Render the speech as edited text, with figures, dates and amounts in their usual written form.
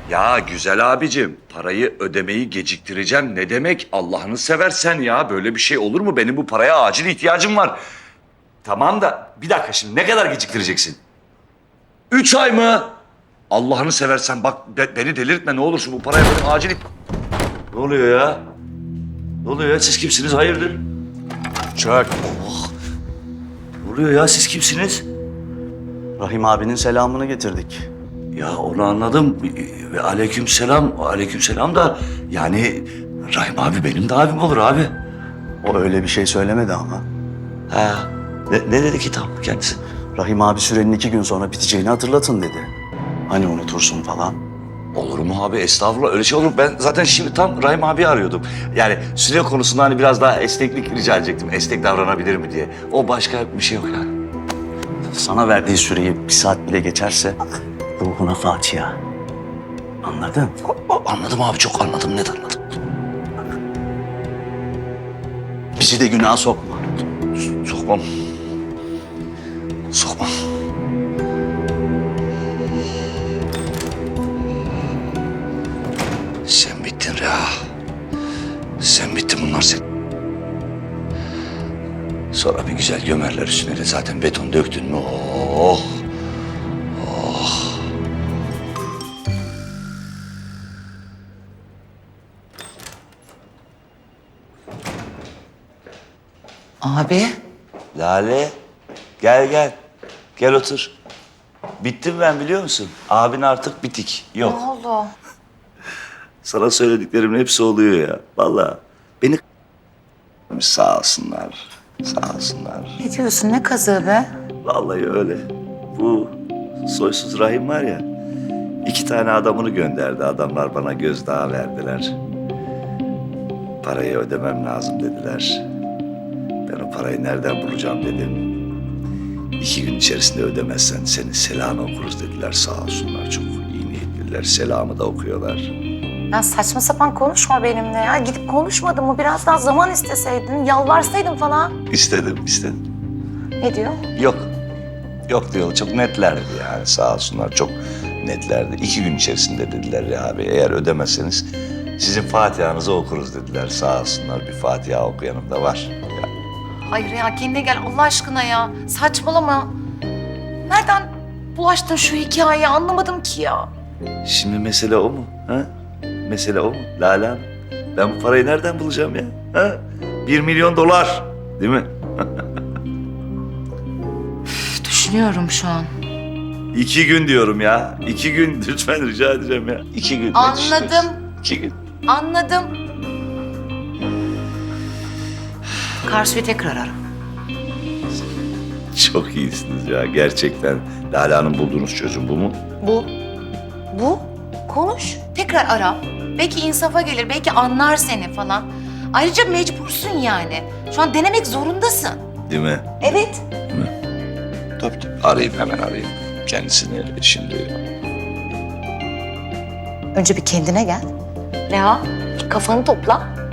Ya güzel abicim, parayı ödemeyi geciktireceğim. Ne demek? Allah'ını seversen ya. Böyle bir şey olur mu? Benim bu paraya acil ihtiyacım var. Tamam da bir dakika şimdi ne kadar geciktireceksin? 3 ay mı? Allah'ını seversen bak beni delirtme ne olursun bu paraya benim acil... Ne oluyor ya? Ne oluyor ya? Siz kimsiniz? Hayırdır? Çök. Ne oluyor ya? Siz kimsiniz? Rahim abinin selamını getirdik. Ya onu anladım. Ve aleykümselam. Aleykümselam da yani Rahim abi benim de abim olur abi. O öyle bir şey söylemedi ama. Ha. Ne dedi ki tam kendisi? Rahim abi sürenin 2 gün sonra biteceğini hatırlatın dedi. Hani unutursun falan. Olur mu abi? Estağfurullah öyle şey olur. Ben zaten şimdi tam Rahim abi arıyordum. Yani süre konusunda hani biraz daha esneklik rica edecektim. Esnek davranabilir mi diye. O başka bir şey yok yani. Sana verdiği süreyi 1 saat bile geçerse ruhuna Fatiha. Anladın? Anladım abi çok anladım. Net anladım. Bizi de günaha sokma. Sokmam. Sokmam. Sen bittin Reha. Sen bittin bunlar sen. Sonra bir güzel gömerler üstüne de zaten beton döktün mü? Oh. Abi, Lale gel gel. Gel otur. Bittim ben biliyor musun? Abin artık bitik. Yok. ne oldu? Sana söylediklerimin hepsi oluyor ya. Vallahi beni sağ olsunlar. Sağ olsunlar. Ne diyorsun, ne kazığı be? Vallahi öyle. Bu soysuz Rahim var ya. 2 tane adamını gönderdi. Adamlar bana gözdağı verdiler. Parayı ödemem lazım dediler. Ben o parayı nereden bulacağım dedim. 2 gün içerisinde ödemezsen senin selamını okuruz dediler. Sağ olsunlar çok iyi niyetliler. Selamı da okuyorlar. Ya saçma sapan konuşma benimle ya. Gidip konuşmadın mı? Biraz daha zaman isteseydin, yalvarsaydın falan. İstedim. Ne diyor? Yok. Yok diyor. Çok netlerdi yani sağ olsunlar. Çok netlerdi. 2 gün içerisinde dediler ya abi eğer ödemezseniz sizin Fatiha'nızı okuruz dediler. Sağ olsunlar bir Fatiha okuyanım da var. Ya, Hayır ya, kendine gel Allah aşkına ya. Saçmalama. Nereden bulaştın şu hikayeyi anlamadım ki ya. şimdi mesele o mu? Ha? Mesele o mu? Lale Hanım, ben bu parayı nereden bulacağım ya? Ha? 1 milyon dolar değil mi? Düşünüyorum şu an. 2 gün diyorum ya. 2 gün lütfen rica edeceğim ya. 2 gün. Anladım. 2 gün. Anladım. Karsu'yu tekrar ara. Çok iyisiniz ya gerçekten. Lale Hanım bulduğunuz çözüm bu mu? Bu. Konuş. Tekrar ara. Belki insafa gelir, belki anlar seni falan. Ayrıca mecbursun yani. Şu an denemek zorundasın. Değil mi? Evet. Tabii. Arayayım hemen arayayım. Kendisini şimdi. Önce bir kendine gel. Reha, kafanı topla.